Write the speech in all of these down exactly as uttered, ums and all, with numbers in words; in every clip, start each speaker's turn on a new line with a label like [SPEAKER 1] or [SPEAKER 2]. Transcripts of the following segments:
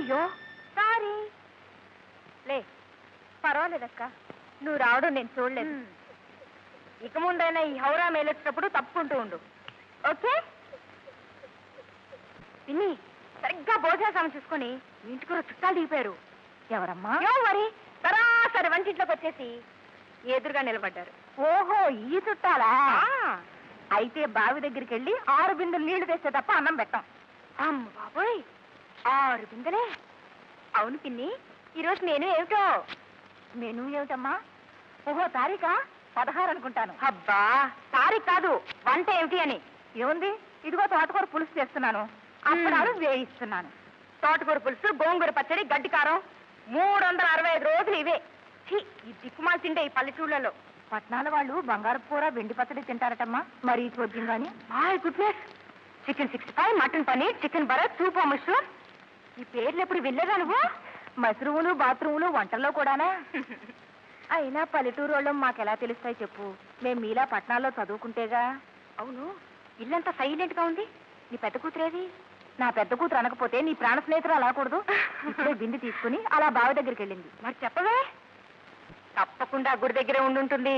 [SPEAKER 1] అయ్యో సారీ లే పర్వాలేదక్క నువ్వు రావడం నేను చూడలేదు ఇక ముందైనా ఈ హౌరా మేలొచ్చినప్పుడు తప్పుకుంటూ ఉండు ఓకే పిన్ని సరిగ్గా భోజన సమయం చూసుకొని ఇంటికి కూడా చుట్టాలు దిగిపోయారు ఎవరమ్మా మరి సరాసరి వంటింట్లోకి వచ్చేసి ఎదురుగా నిలబడ్డారు ఓహో ఈ చుట్టాలా అయితే బావి దగ్గరికి వెళ్ళి ఆరు బిందెలు నీళ్లు తెస్తే తప్ప అన్నం పెట్టాం అమ్మ బాబోయ్ ఆరు బిందెలే అవును పిన్ని ఈరోజు నేను ఏమిటో మెను ఏమిటమ్మా ఓహో తారీఖా పదహారు అనుకుంటాను అబ్బా తారీఖు కాదు వంట ఏమిటి అని ఏముంది ఇదిగో తోటకూర పులుసు చేస్తున్నాను అప్పడాలు వేయిస్తున్నాను తోటకూర పులుసు గోంగూర పచ్చడి గడ్డి కారం మూడు వందల అరవై ఐదు రోజులు ఇవే ఈ దిక్కుమాలు తింటే ఈ పల్లెటూళ్ళలో పట్నాల వాళ్ళు బంగారు కూర వెండి పచ్చడి తింటారటమ్మా మరి చూద్దాం కానీ hi goodness chicken sixty five mutton paneer chicken బరత్ సూప్ మష్రూమ్ ఈ పేర్లు ఎప్పుడు వెళ్ళేదా నువ్వు మష్రూములు బాత్రూములు వంటల్లో కూడానా అయినా పల్లెటూరు వాళ్ళం మాకెలా తెలుస్తాయి చెప్పు మేము మీలా పట్నాల్లో చదువుకుంటేగా అవును ఇల్లంతా సైలెంట్ గా ఉంది నీ పెద్ద కూతురేది నా పెద్ద కూతురు అనకపోతే నీ ప్రాణ స్నేహితులు అలాకూడదు ఇప్పుడే బింది తీసుకుని అలా బావి దగ్గరికి వెళ్ళింది మరి చెప్పవే తప్పకుండా గుడి దగ్గరే ఉండుంటుంది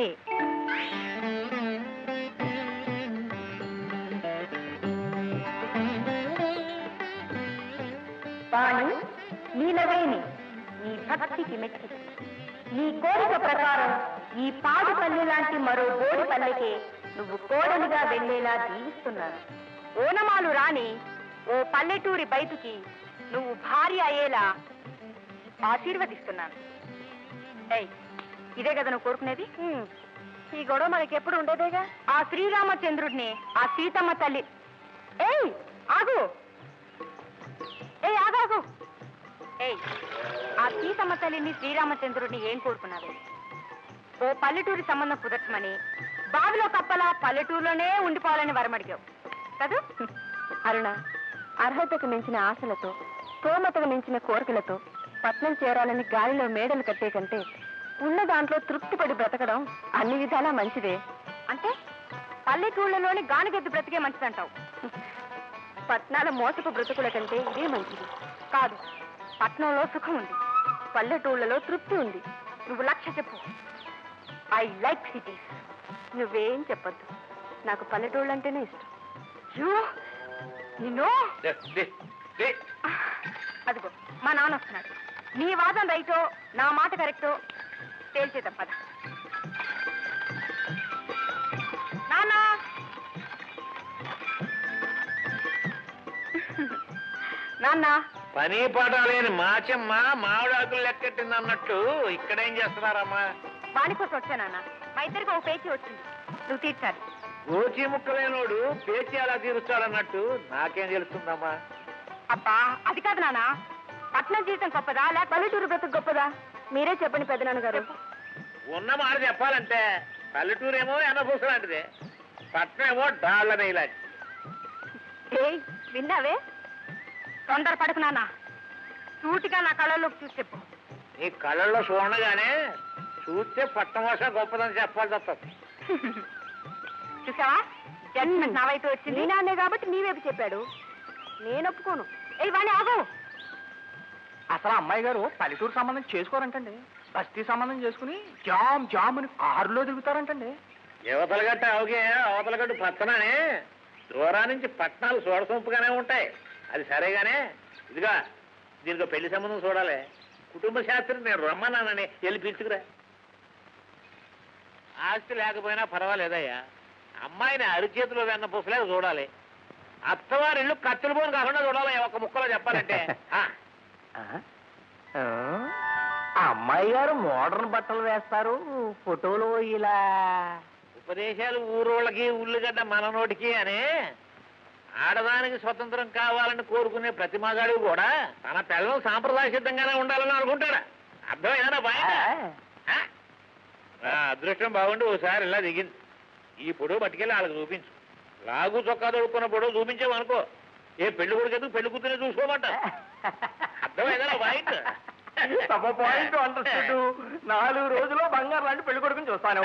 [SPEAKER 1] వాణి నీలవేణి నీ భక్తికి మెచ్చి నీ కోరిక ప్రకారం ఈ పాడు పల్లె లాంటి మరో బోడి పల్లెకే నువ్వు కోడలిగా వెళ్లేలా దీవిస్తున్నాను ఓనమాలు రాని ఓ పల్లెటూరి బయటికి నువ్వు భార్య అయ్యేలా ఆశీర్వదిస్తున్నాను ఏయ్ ఇదే కదా నువ్వు కోరుకునేది ఈ గొడవ మనకి ఎప్పుడు ఉండేదేగా ఆ శ్రీరామచంద్రుడిని ఆ సీతమ్మ తల్లి ఏయ్ ఆగు ఏయ్ ఆగాగు ఏయ్ ఆ సీతమ్మ తల్లిని శ్రీరామచంద్రుడిని ఏం కోరుకున్నావే ఓ పల్లెటూరి సంబంధం కుదర్చమని బావిలో కప్పలా పల్లెటూరులోనే ఉండిపోవాలని వరమడిగావు కదూ అరుణ అర్హతకు మించిన ఆశలతో స్తోమతకు మించిన కోరికలతో పట్నం చేరాలని గాలిలో మేడలు కట్టే కంటే ఉన్న దాంట్లో తృప్తిపడి బ్రతకడం అన్ని విధాలా మంచిదే అంటే పల్లెటూళ్ళలోని గానిగెద్దు బ్రతికే మంచిదంటావు పట్నాల మోసపు బ్రతుకుల కంటే ఇదే మంచిది కాదు పట్నంలో సుఖం ఉంది పల్లెటూళ్ళలో తృప్తి ఉంది నువ్వు లక్ష్య చెప్పు ఐ లైక్ సిటీస్ నువ్వేం చెప్పద్దు నాకు పల్లెటూళ్ళు అంటేనే ఇష్టం నిన్ను అదిగో మా నాన్న వస్తున్నాడు నీ వాదం రైటో నా మాట కరెక్టో తేల్చేద్దాం పద నాన్న నాన్న
[SPEAKER 2] పని పాట లేని మాచమ్మ మామిడాకులు లెక్కెట్టింది అన్నట్టు ఇక్కడేం చేస్తున్నారమ్మా
[SPEAKER 1] వాణి కోసం వచ్చానన్న మా ఇద్దరికి ఒక పేచీ వచ్చింది నువ్వు తీర్చాలి
[SPEAKER 2] గోచి ముక్కలేనోడు పేచి అలా తీరుస్తాడన్నట్టు నాకేం తెలుస్తుందమ్మా
[SPEAKER 1] అబ్బా అది కాదు నాన్న పట్నం జీవితం గొప్పదా లేక పల్లెటూరు బ్రతుకు గొప్పదా మీరే చెప్పండి పెద్దనాన్న గారు
[SPEAKER 2] ఉన్న మాట చెప్పాలంటే పల్లెటూరు ఏమో ఎనభూస లాంటిదే పట్నం ఏమో డాళ్ల నెయ్యిలాంటి
[SPEAKER 1] ఏయ్ విన్నావే తొందర పడుకు నాన్న సూటిగా నా కళ్ళలోకి చూసి చెప్పు
[SPEAKER 2] నీ కళ్ళల్లో చూడగానే చూస్తే పట్నం భాష గొప్పదని చెప్పాలి తప్పదు
[SPEAKER 1] చూసావా జడ్జిమెంట్ నా వైపు వచ్చింది నీ నాన్నే కాబట్టి నీ వైపు చెప్పాడు నేను ఒప్పుకోను ఏ వాణి ఆగు
[SPEAKER 3] అసలు అమ్మాయి గారు పల్లెటూరు సంబంధం చేసుకోరంటండి బస్తీ సంబంధం చేసుకుని జామ్ జామ్ అని కారులో తిరుగుతారంటండి
[SPEAKER 2] యువతల గట్ట అవగే అవతల గట్టు పచ్చనని దూరా నుంచి పట్నాలు చూడసొంపుగానే ఉంటాయి అది సరేగానే ఇదిగా దీనికి పెళ్లి సంబంధం చూడాలి కుటుంబ శాస్త్రం నేను రమ్మన్నానని వెళ్ళి పిలుచుకురా ఆస్తి లేకపోయినా పర్వాలేదయ్యా అమ్మాయిని అరిచేతిలో వెన్న పుసలేదు చూడాలి అత్తవారి ఇల్లు కత్తులు పోని కాకుండా చూడాలి ఒక ముక్కలో చెప్పాలంటే
[SPEAKER 3] అమ్మాయి గారు మోడర్న్ బట్టలు వేస్తారు ఫోటోలు ఇలా
[SPEAKER 2] ఉపదేశాలు ఊరోళ్ళకి ఉల్లిగడ్డ మన నోటికి అని ఆడదానికి స్వతంత్రం కావాలని కోరుకునే ప్రతి మగాడు కూడా తన పిల్లలు సాంప్రదాయ సిద్ధంగానే ఉండాలని అనుకుంటాడా అర్థమైనా బాయ్ అదృష్టం బాగుండి ఓసారి ఇలా దిగింది ఈ పొడవు పట్టుకెళ్ళి వాళ్ళకి చూపించు లాగు చొక్కా దొడుకున్న పొడవు చూపించామనుకో ఏ పెళ్లి కొడుకు ఎందుకు పెళ్లి కూతురే చూసుకోమంట అర్థమైందా పాయింట్
[SPEAKER 3] పాయింట్ అంటాడు నాలుగు రోజుల్లో బంగారు లాంటి పెళ్లి కొడుకుని చూస్తాను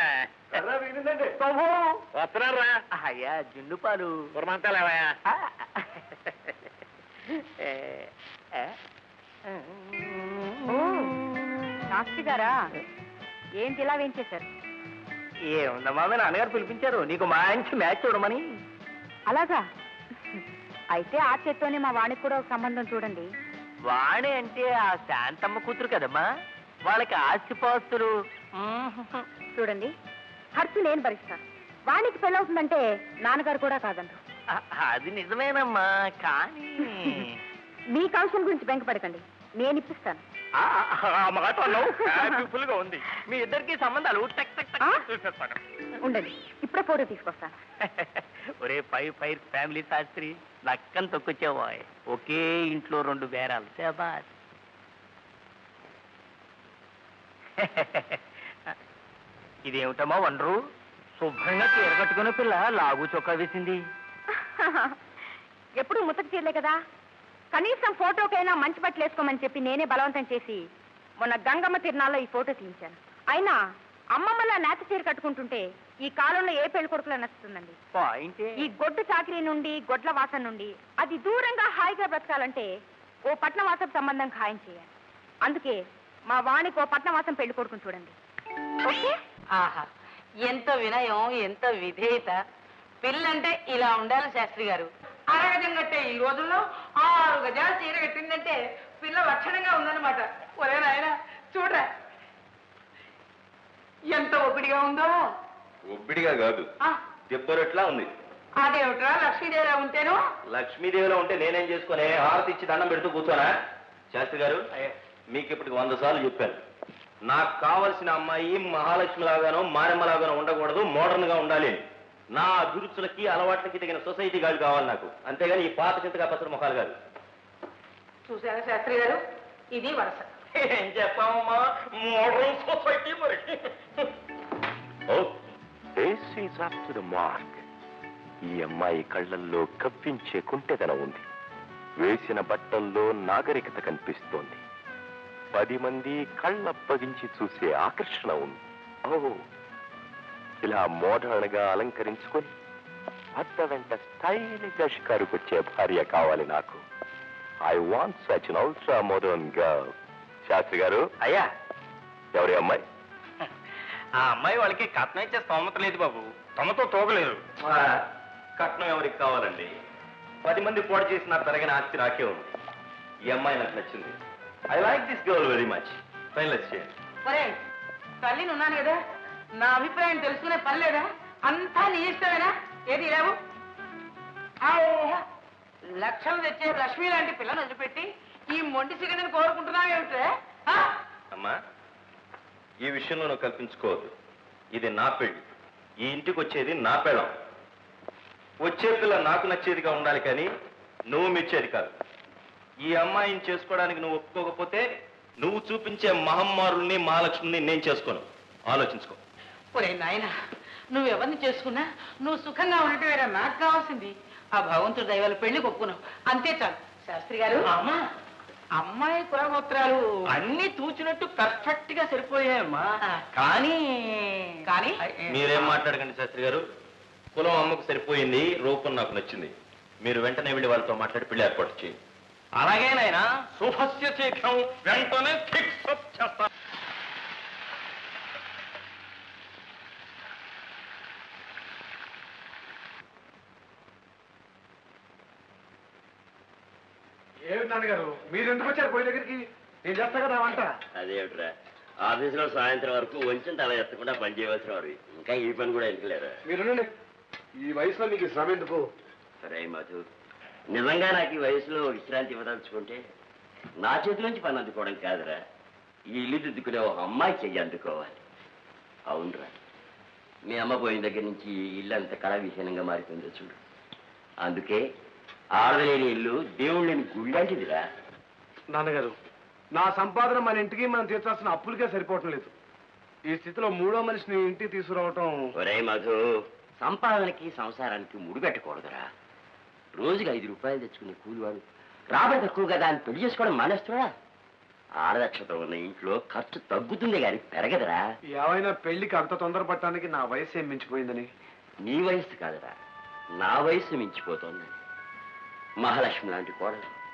[SPEAKER 2] వస్తున్నారా
[SPEAKER 3] అయ్యా జున్ను పాలు
[SPEAKER 2] పురమంతాలేవయా
[SPEAKER 1] శాస్త్రి గారా ఏంటి ఇలా వేయించేశారు?
[SPEAKER 3] ఏముందమ్మా మీ నాన్నగారు పిలిపించారు నీకు మంచి మ్యాచ్ చూడమని.
[SPEAKER 1] అలాగా? అయితే ఆ చేత్తోనే మా వాణికి కూడా ఒక సంబంధం చూడండి.
[SPEAKER 3] వాణి అంటే ఆ శాంతమ్మ కూతురు కదమ్మా, వాళ్ళకి ఆస్తిపాస్తులు.
[SPEAKER 1] చూడండి, ఖర్చు నేను భరిస్తాను. వాణికి పెళ్ళవుతుందంటే నాన్నగారు కూడా కాదంటారు.
[SPEAKER 3] అది నిజమేనమ్మా, కానీ
[SPEAKER 1] మీ కౌశం గురించి బెంకపడకండి, నేను ఇప్పిస్తాను.
[SPEAKER 3] మాట బ్యూటిఫుల్ గా ఉంది. మీ ఇద్దరికి సంబంధాలు టక్ టక్ టక్ చూసేస్తాను.
[SPEAKER 1] ఉండండి, ఇప్పుడే ఫోటో తీసుకొస్తాను.
[SPEAKER 3] ఒరే ఫైవ్ ఫైవ్ ఫ్యామిలీ శాస్త్రి, లక్కని తొక్కొచ్చావా? ఒకే ఇంట్లో రెండు బేరాలు. శాబాష్. ఇదేమిటమ్మా వండరు, శుభ్రంగా చీర కట్టుకునే పిల్ల లాగు చొక్కా వేసింది.
[SPEAKER 1] ఎప్పుడు ముతక చీరలే కదా, కనీసం ఫోటోకైనా మంచి బట్టలు వేసుకోమని చెప్పి నేనే బలవంతం చేసి మొన్న గంగమ్మ తిరునాళ్ళలో ఈ ఫోటో తీయించాను. అయినా అమ్మమ్మలా నేత చీర కట్టుకుంటుంటే ఈ కాలంలో ఏ పెళ్లి కొడుకులా నచ్చుతుందండి? ఈ గొడ్డు చాకరీ నుండి, గొడ్ల వాసన నుండి అది దూరంగా హాయిగా బ్రతకాలంటే ఓ పట్నవాసం సంబంధం ఖాయం చేయాలి. అందుకే మా వాణికి ఓ పట్నవాసం పెళ్లి కొడుకుని చూడండి. ఓకే?
[SPEAKER 4] ఆహా, ఎంత వినయం, ఎంత విధేయత. పిల్లంటే ఇలా ఉండాలి శాస్త్రి గారు. అరగజం కట్టే ఈ రోజుల్లో ఆరు గజాలు చీర కట్టిందంటే పిల్ల లక్షణంగా ఉందన్నమాట. ఒరే నాయన చూడరా ఎంత ఒపిడిగా ఉందో.
[SPEAKER 5] ఒబ్బిడిగా కాదు, దెబ్బరట్లా ఉంది.
[SPEAKER 4] అదేమిట్రా లక్ష్మీదేవిలా ఉంటేను?
[SPEAKER 5] లక్ష్మీదేవిలో ఉంటే నేనేం చేసుకునే హారతి ఇచ్చి దండం పెడుతూ కూర్చోనా? శాస్త్రి గారు, మీకు ఇప్పటికి వంద సార్లు చెప్పాను, నాకు కావలసిన అమ్మాయి మహాలక్ష్మి లాగానో మారెమ్మ లాగానో ఉండకూడదు, మోడర్న్ గా ఉండాలి. నా అభిరుచులకి అలవాట్లకి తగిన సొసైటీ గాడు కావాలి నాకు, అంతేగాని ఈ పాత చింతగా పసరు ముఖాలు కాదు.
[SPEAKER 4] చూసారా శాస్త్రి గారు, ఇది వరస.
[SPEAKER 5] ఏం చెప్పామమ్మా, మోడర్న్ సొసైటీ మరి. ఈ అమ్మాయి కళ్ళల్లో కవ్వించే కుంటెదనం ఉంది, వేసిన బట్టల్లో నాగరికత కనిపిస్తోంది, పది మంది కళ్ళప్పగించి చూసే ఆకర్షణ ఉంది. ఓ, ఇలా మోడర్న్ గా అలంకరించుకొని భర్త వెంట స్టైల్ గా షికారుకొచ్చే భార్య కావాలి నాకు. I want such an ultra modern girl. Shastri garu,
[SPEAKER 3] అయ్యా,
[SPEAKER 5] ఎవరి అమ్మాయి?
[SPEAKER 3] ఆ అమ్మాయి వాళ్ళకి కట్నం ఇచ్చే స్తోమత లేదు బాబు, తమతో తోగలేదు.
[SPEAKER 5] కట్నం ఎవరికి కావాలండి? పది మంది పోటీ చేసిన తరగిన ఆస్తి రాకే ఉంది. ఈ అమ్మాయి నాకు నచ్చింది. I like this girl very much. Finalise చేయండి.
[SPEAKER 4] ఒరే, తల్లిని ఉన్నాను కదా, నా అభిప్రాయం తెలుసుకునే పని లేదా? అంతా నీ ఇష్టమేనా? ఏది లేవు లక్షలు తెచ్చే లక్ష్మి లాంటి పిల్లని వదిలిపెట్టి ఈ మొండి సిగండిని కోరుకుంటున్నావేమిటే?
[SPEAKER 5] అమ్మా, ఈ విషయంలో నువ్వు కల్పించుకోవద్దు. ఇది నా పెళ్లి, ఈ ఇంటికి వచ్చేది నా పెళ్ళం. వచ్చే పిల్ల నాకు నచ్చేదిగా ఉండాలి కానీ నువ్వు మెచ్చేది కాదు. ఈ అమ్మాయిని చేసుకోవడానికి నువ్వు ఒప్పుకోకపోతే నువ్వు చూపించే మహమ్మారుల్ని మహాలక్ష్మిని నేను చేసుకోను. ఆలోచించుకో.
[SPEAKER 4] ఒరే నాయన, నువ్వెవరిని చేసుకున్నా నువ్వు సుఖంగా ఉండటమేరా నాకు కావాల్సింది. ఆ భగవంతుడు దైవాల పెళ్లి ఒప్పుకున్నావు, అంతే చాలు. శాస్త్రి గారు,
[SPEAKER 3] అమ్మా,
[SPEAKER 4] అమ్మాయి కులగోత్రాలు
[SPEAKER 3] అన్ని తూచినట్టు పర్ఫెక్ట్ గా సరిపోయాయమ్మా.
[SPEAKER 4] ఆ.
[SPEAKER 3] కానీ
[SPEAKER 4] కానీ
[SPEAKER 5] మీరేం మాట్లాడకండి శాస్త్రి గారు. కులం అమ్మకు సరిపోయింది, రూపం నాకు నచ్చింది. మీరు వెంటనే వెళ్ళి వాళ్ళతో మాట్లాడి పెళ్లి ఏర్పాటు చేయండి.
[SPEAKER 3] అలాగే నాయనా, శుభస్య శీఘ్రం, వెంటనే ఫిక్స్ చేస్తా.
[SPEAKER 6] ఏమిటి నాన్నగారు, మీరు ఎందుకు వచ్చారు పోయి దగ్గరికి? నేను చేస్తా కదా వంట.
[SPEAKER 7] అదేమిట్రా, ఆఫీసులో సాయంత్రం వరకు వంచిన తల ఎత్తకుండా పని చేయవలసిన వారు ఇంకా ఈ పని కూడా ఎందుకులేరా?
[SPEAKER 6] మీరు ఈ వయసులో మీకు శ్రమ ఎందుకు?
[SPEAKER 7] సరే మధు, నిజంగా నాకు ఈ వయసులో విశ్రాంతి ఇవ్వదలుచుకుంటే నా చేతిలోంచి పని అందుకోవడం కాదురా, ఈ ఇల్లు దిద్దుకునే ఒక అమ్మాయి చెయ్యి అందుకోవాలి. అవునరా, మీ అమ్మ పోయిన దగ్గర నుంచి ఈ ఇల్లు అంత కళ విహీనంగా మారిపోయిందో చూడు. అందుకే ఆడలేని ఇల్లు దేవుళ్ళని గుళ్ళంటిదిరా.
[SPEAKER 6] నాన్నగారు, నా సంపాదన మన ఇంటికి మనం తీర్చాల్సిన అప్పులకే సరిపోవటం లేదు. ఈ స్థితిలో మూడో మనిషిని ఇంటికి తీసుకురావటం.
[SPEAKER 7] ఒరే మధు, సంపాదనకి సంసారానికి ముడిపెట్టకూడదురా. రోజుకి ఐదు రూపాయలు తెచ్చుకునే కూలివాడు రాబడి తక్కువ కదా అని పెళ్లి చేసుకోవడం మానేస్తున్నా. ఆడదక్షత ఉన్న ఇంట్లో ఖర్చు తగ్గుతుంది కానీ పెరగదురా.
[SPEAKER 6] ఏమైనా పెళ్లికి అంత తొందరపడటానికి నా వయసు ఏం మించిపోయిందని?
[SPEAKER 7] నీ వయసు కాదురా, నా వయసు మించిపోతోందని. మహాలక్ష్మి లాంటి కోడలు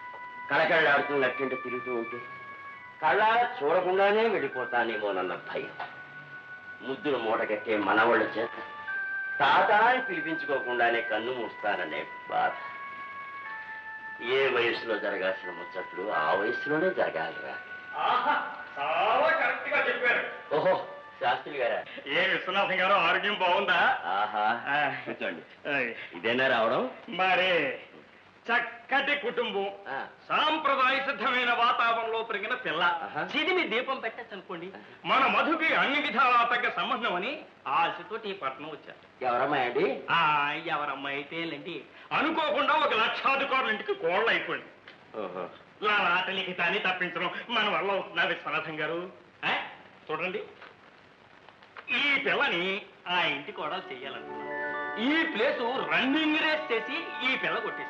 [SPEAKER 7] కళకళలాడుతూ నట్టింట తిరుగుతూ ఉంటే కళ్ళ చూడకుండానే వెళ్ళిపోతానేమోనన్న భయం. ముద్దులు మూటగట్టే మనవాళ్ళ చేత తాత అని పిలిపించుకోకుండానే కన్ను మూస్తాననే బాధ. ఏ వయసులో జరగాల్సిన ముచ్చట్లు ఆ వయసులోనే జరగాలిరా.
[SPEAKER 3] చాలా కరెక్ట్ గా చెప్పారు.
[SPEAKER 7] ఓహో, శాస్త్రి గారా?
[SPEAKER 3] ఏ విశ్వనాథం గారు ఆరోగ్యం బాగుందా?
[SPEAKER 7] ఆహా, కూర్చోండి. ఇదేనా రావడం?
[SPEAKER 3] మరి చక్కటి కుటుంబం, సాంప్రదాయ సిద్ధమైన వాతావరణంలో పెరిగిన పిల్ల, చిదిమి దీపం పెట్టచ్చు అనుకోండి. మన మధుకి అన్ని విధాలా తగ్గ సంబంధం అని ఆశతోటి ఈ పట్టణం వచ్చారు.
[SPEAKER 7] ఎవరమ్మాయి అండి?
[SPEAKER 3] ఆ ఎవరమ్మాయి అయితే లేండి, అనుకోకుండా ఒక లక్షాధికారుల ఇంటికి కోళ్ళు అయిపోయింది. లాటలికి తాని తప్పించడం మన వల్ల అవుతున్నా విశ్వనాథం గారు? చూడండి, ఈ పిల్లని ఆ ఇంటి కూడా చెయ్యాలనుకున్నాను. ఈ ప్లేసు రన్నింగ్ రేస్ చేసి ఈ పిల్ల కొట్టేసి.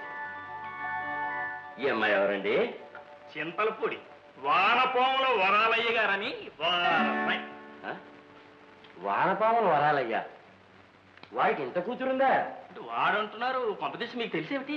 [SPEAKER 7] ఈ అమ్మాయి ఎవరండి?
[SPEAKER 3] చింతలపూడి వానపాముల వరాలయ్య గారని వారమ్మాయి.
[SPEAKER 7] వానపాముల వరాలయ్యా? వాడికి ఇంత కూతురుందా?
[SPEAKER 3] వాడంటున్నారు, కొంపదీసి మీకు తెలిసేమిటి?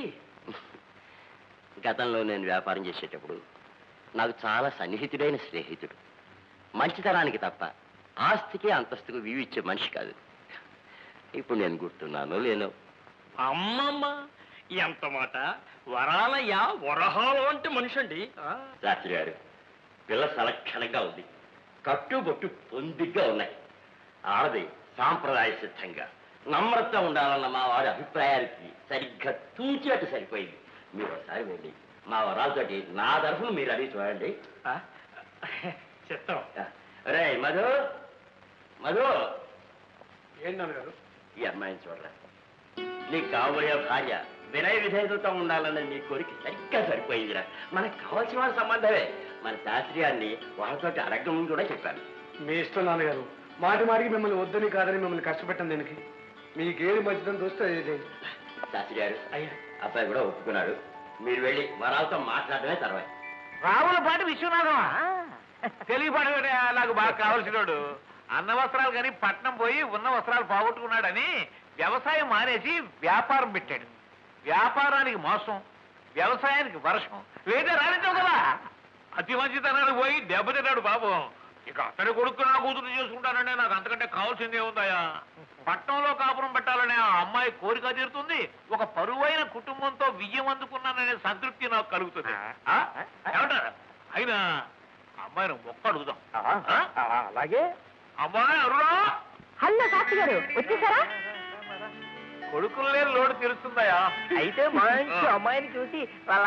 [SPEAKER 7] గతంలో నేను వ్యాపారం చేసేటప్పుడు నాకు చాలా సన్నిహితుడైన స్నేహితుడు. మంచితనానికి తప్ప ఆస్తికి అంతస్తుకు వివిచ్చే మనిషి కాదు. ఇప్పుడు నేను గుర్తున్నాను లేను.
[SPEAKER 3] అమ్మమ్మ, ఎంత మాట! వరాలయ్య వరహాలు అంటే మనిషి అండి.
[SPEAKER 7] శాస్త్రి గారు, పిల్ల సలక్షణంగా ఉంది, కట్టుబొట్టు పొందిగ్గా ఉన్నాయి. ఆడది సాంప్రదాయ సిద్ధంగా నమ్రత ఉండాలన్న మా వాడి అభిప్రాయానికి సరిగ్గా తూచేట్టు సరిపోయింది. మీరు ఒకసారి వెళ్ళి మా వరాలతోటి నా తరఫున మీరు అడిగి చూడండి.
[SPEAKER 3] చెప్తాం.
[SPEAKER 7] రే మధు, మధు,
[SPEAKER 6] ఏంటి నాన్నగారు?
[SPEAKER 7] ఈ అమ్మాయిని చూడరా. నీకు కాబోయే భార్య వినయ విధేయతతో ఉండాలన్న నీ కోరిక సరిగ్గా సరిపోయిందిరా. మనకు కావాల్సిన వాళ్ళ సంబంధమే. మన శాస్త్రి గారిని వాళ్ళతోటి అడగడం కూడా చెప్పాను.
[SPEAKER 6] మీ ఇష్టం నాన్నగారు. మాటి మాటికి మిమ్మల్ని వద్దని కాదని మిమ్మల్ని కష్టపెట్టాను. దీనికి మీకేది మంచిదని చూస్తే అదే.
[SPEAKER 7] శాస్త్రి గారు, అయ్యా అబ్బాయి కూడా ఒప్పుకున్నాడు. మీరు వెళ్ళి వరాలతో మాట్లాడమే తర్వాత.
[SPEAKER 2] రావుల పాటి విశ్వనాథం తెలియపాడు నాకు బాగా కావాల్సినోడు. అన్న వస్త్రాలు కానీ పట్నం పోయి ఉన్న వస్త్రాలు పోగొట్టుకున్నాడని వ్యవసాయం మానేసి వ్యాపారం పెట్టాడు. వ్యాపారానికి మోసం, వ్యవసాయానికి వర్షం, లేదా రానించావు కదా. అతి మంచితనానికి పోయి దెబ్బతిన్నాడు పాపం. ఇక అతని కొడుకు నా కూతురు చేసుకుంటానంటే నాకు అంతకంటే కావాల్సిందే ఉందాయా. పట్నంలో కాపురం పెట్టాలనే ఆ అమ్మాయి కోరిక తీరుతుంది, ఒక పరువైన కుటుంబంతో విజయం అందుకున్నాననే సంతృప్తి నాకు కలుగుతుంది. ఏమంటారు? అయినా అమ్మాయిని మొక్క అడుగుదాం.
[SPEAKER 3] అలాగే.
[SPEAKER 2] అమ్మాయి అరుణా,
[SPEAKER 1] హలో శాస్త్రి గారు, వచ్చేసారా?
[SPEAKER 2] కొడుకులు లేని లోటు తెలుస్తుందయా.
[SPEAKER 4] అయితే మంచి అమ్మాయిని చూసి వాళ్ళ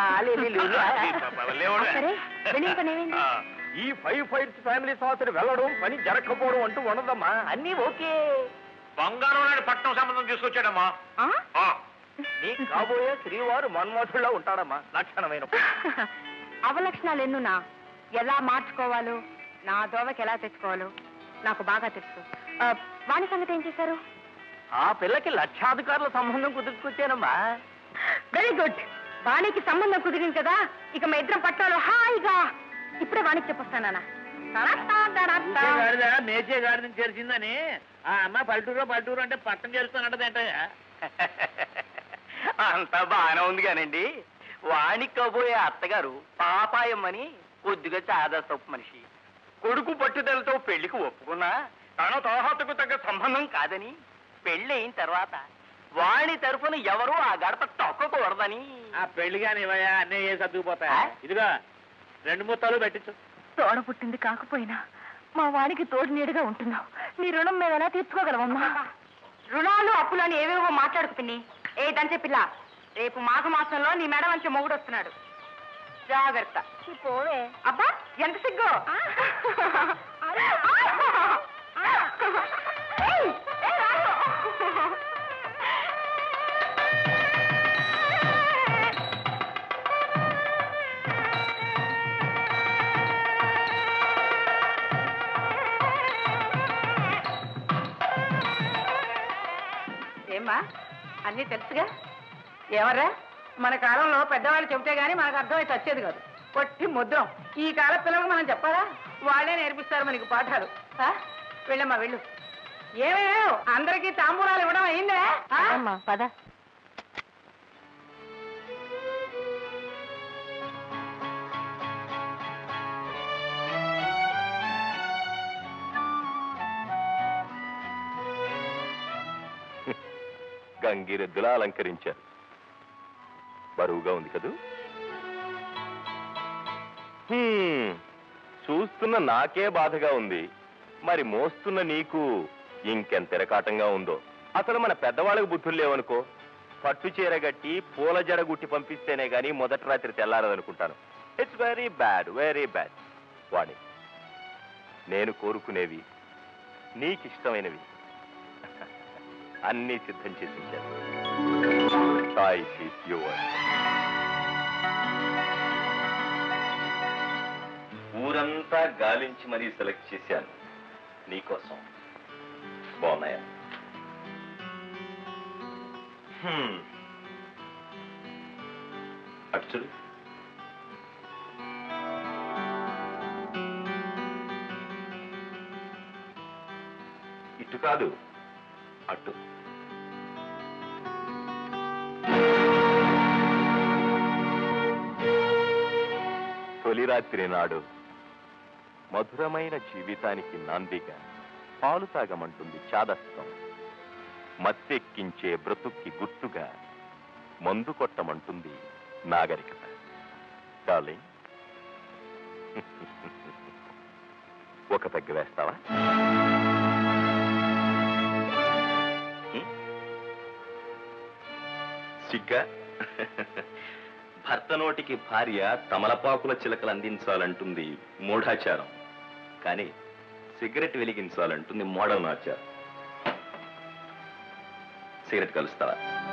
[SPEAKER 1] సరే, వెళ్ళిన పని ఏమైంది?
[SPEAKER 3] ఈ ఫైవ్ ఫైట్స్ ఫ్యామిలీ సంవత్సరం వెళ్ళడం, పని జరగకపోవడం అంటూ ఉండదమ్మా. అన్నీ ఓకే.
[SPEAKER 2] బంగారం నాడు పట్నం సంబంధం తీసుకొచ్చాడమ్మా.
[SPEAKER 1] ఆ?
[SPEAKER 3] నీ కాబోయే శ్రీవారు మన్మోహుల్లో ఉంటాడమ్మా, లక్షణమైన.
[SPEAKER 1] అవలక్షణాలు ఎన్నునా ఎలా మార్చుకోవాలో, నా దోవకి ఎలా తెచ్చుకోవాలో నాకు బాగా తెలుసు. ఆ, వాణి సంగతి ఏం చేశారు?
[SPEAKER 3] ఆ పిల్లకి లక్షాధికారుల సంబంధం కుదుర్చుకొచ్చానమ్మా.
[SPEAKER 1] Very good. వాణికి సంబంధం కుదిరింది కదా, ఇక మా ఇద్దరం పట్టాలో హాయిగా. ఇప్పుడే వాణికి చెప్పొస్తానా?
[SPEAKER 2] మేచే గాడి నుంచి చేర్చిందని ఆ అమ్మ పల్లెటూరు పల్లెటూరు అంటే పట్టం చేరుస్తానంటదేంటయ్యా.
[SPEAKER 3] అంతా బాగానే ఉంది కానండి. వాణికి కాబోయే అత్తగారు పాపాయమ్మని కొద్దిగా చాదస్తపు మనిషి. కొడుకు పట్టుదలతో పెళ్లికి ఒప్పుకున్నా తన తోహతకు తగ్గ సంబంధం కాదని, పెళ్లి అయిన తర్వాత వాణి తరఫున ఎవరూ ఆ గడప తొక్కకూడదని.
[SPEAKER 2] ఆ పెళ్లి కానీ ఇవయా అన్నీ ఏ సర్దుకుపోతాయా? ఇదిగా రెండు ముత్తాలు పెట్టించు.
[SPEAKER 1] తోడ పుట్టింది కాకపోయినా మా వానికి తోడు నీడుగా ఉంటున్నావు. నీ రుణం మేము ఎలా తీర్చుకోగలమమ్మా? రుణాలు అప్పులు అని ఏవేవో మాట్లాడుకు పిన్ని. ఏ దంచే పిల్ల, రేపు మాఘ మాసంలో నీ మెడ మంచి మొగుడు వస్తున్నాడు, జాగ్రత్త. పోవే. అబ్బా ఎంత సిగ్గు. ఏమ్మా, అన్నీ తెలుసుగా? ఎవరా? మన కాలంలో పెద్దవాళ్ళు చెబితే గానీ మనకు అర్థమైతే వచ్చేది కాదు. పొట్టి ముద్రం. ఈ కాల పిల్లలకు మనం చెప్పాలా? వాళ్ళే నేర్పిస్తారు మనకి పాఠాలు. వెళ్ళమ్మా వెళ్ళు. ఏమేమో అందరికీ తాంబూలాలు ఇవ్వడం అయిందే. పద.
[SPEAKER 5] గంగిరెద్దులా అలంకరించారు. బరువుగా ఉంది కదూ? హ్మ్, చూస్తున్న నాకే బాధగా ఉంది, మరి మోస్తున్న నీకు ఇంకెంత తిరకాటంగా ఉందో. అసలు మన పెద్దవాళ్ళకు బుద్ధులు లేవనుకో, పట్టు చీర గట్టి పూల జడ గుట్టి పంపిస్తేనే గాని మొదటి రాత్రి తెల్లారదనుకుంటాను. It's very bad, very bad. Vani, నేను కోరుకునేవి, నీకిష్టమైనవి అన్నీ సిద్ధం చేసి ఉంచాను. ఊరంతా గాలించి మరీ సెలెక్ట్ చేశాను నీకోసం. బాగున్నాయా? అటు చూడు. ఇటు కాదు, అటు. తొలి రాత్రి నాడు మధురమైన జీవితానికి నాందిగా పాలు తాగమంటుంది చాదస్తం. మత్తెక్కించే బ్రతుక్కి గుర్తుగా మందు కొట్టమంటుంది నాగరికత. డార్లింగ్, ఒక పెగ్గ వేస్తావా? సిగ్గా? భర్త నోటికి భార్య తమలపాకుల చిలకలు అందించాలంటుంది మూఢాచారం, కానీ సిగరెట్ వెలిగించాలంటుంది మోడర్న్ ఆచారం. సిగరెట్ కలుస్తావా?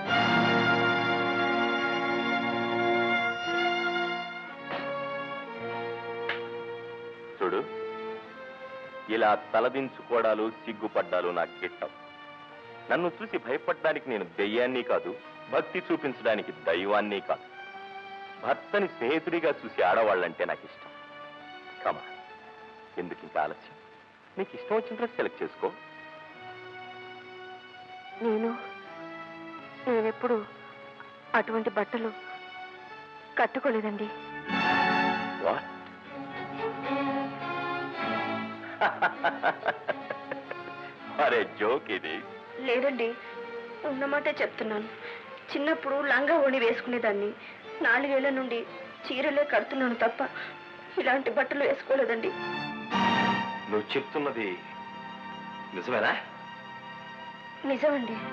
[SPEAKER 5] చూడు, ఇలా తలదించుకోవడాలు సిగ్గుపడ్డాలు నాకు గిట్టం. నన్ను చూసి భయపడ్డానికి నేను దెయ్యాన్ని కాదు, భక్తి చూపించడానికి దైవాన్ని కాదు. భర్తని స్నేహితుడిగా చూసి ఆడవాళ్ళంటే నాకు ఇష్టం. కమా, ఎందుకు ఇంకా ఆలస్యం? నీకు ఇష్టం వచ్చిన డ్రెస్ సెలెక్ట్ చేసుకో.
[SPEAKER 1] నేను నేనెప్పుడు అటువంటి బట్టలు కట్టుకోలేదండి.
[SPEAKER 5] వాట్? అరే జోక్ ఇది.
[SPEAKER 1] లేదండి, ఉన్నమాటే చెప్తున్నాను. చిన్నప్పుడు లంగా ఓణి వేసుకునేదాన్ని. నాలుగేళ్ల నుండి చీరలే కడుతున్నాను తప్ప ఇలాంటి బట్టలు వేసుకోలేదండి.
[SPEAKER 5] నువ్వు చెప్తున్నది నిజమేనా?
[SPEAKER 1] నిజమండి.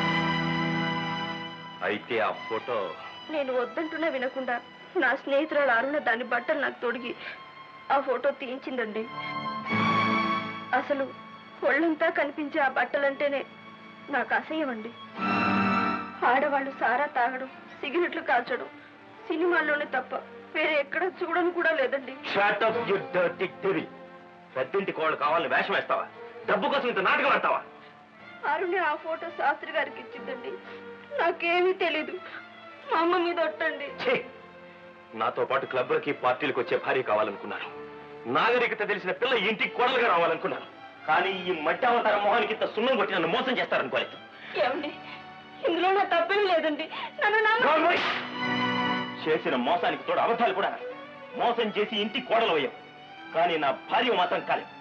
[SPEAKER 5] అయితే ఆ ఫోటో
[SPEAKER 1] నేను వద్దంటున్నా వినకుండా నా స్నేహితురాలు అరుణ దాని బట్టలు నాకు తొడిగి ఆ ఫోటో తీయించిందండి. అసలు ఒళ్ళంతా కనిపించే ఆ బట్టలంటేనే నాకు అసహ్యం అండి. ఆడవాళ్ళు సారా తాగడం, సిగరెట్లు కాల్చడం సినిమాల్లోనే తప్ప వేరే ఎక్కడ చూడను కూడా లేదండి.
[SPEAKER 5] పెద్దింటి కోళ్ళు కావాలని వేషం వేస్తావా? డబ్బు కోసం ఇంత నాటకం ఆడతావా?
[SPEAKER 1] అరుణ ఆ ఫోటో శాస్త్రి గారికి ఇచ్చిందండి. నాకేమీ తెలీదు. మా అమ్మ మీద ఒట్టండి.
[SPEAKER 5] నాతో పాటు క్లబ్లకి పార్టీలకు వచ్చే భార్య కావాలనుకున్నాను. నాగరికత తెలిసిన పిల్ల ఇంటికి కోడలుగా రావాలనుకున్నాను. కానీ ఈ మధ్యావతార మొహానికి ఇంత సున్నం కొట్టి నన్ను మోసం చేస్తారనుకోలేదు.
[SPEAKER 1] ఏమండి, ఇందులో నా తప్పేం లేదండి. నన్ను
[SPEAKER 5] చేసిన మోసానికి తోడు అబద్ధాలు కూడా. మోసం చేసి ఇంటికి కోడలు అయ్యావు, కానీ నా భార్య మాత్రం కాలేదు.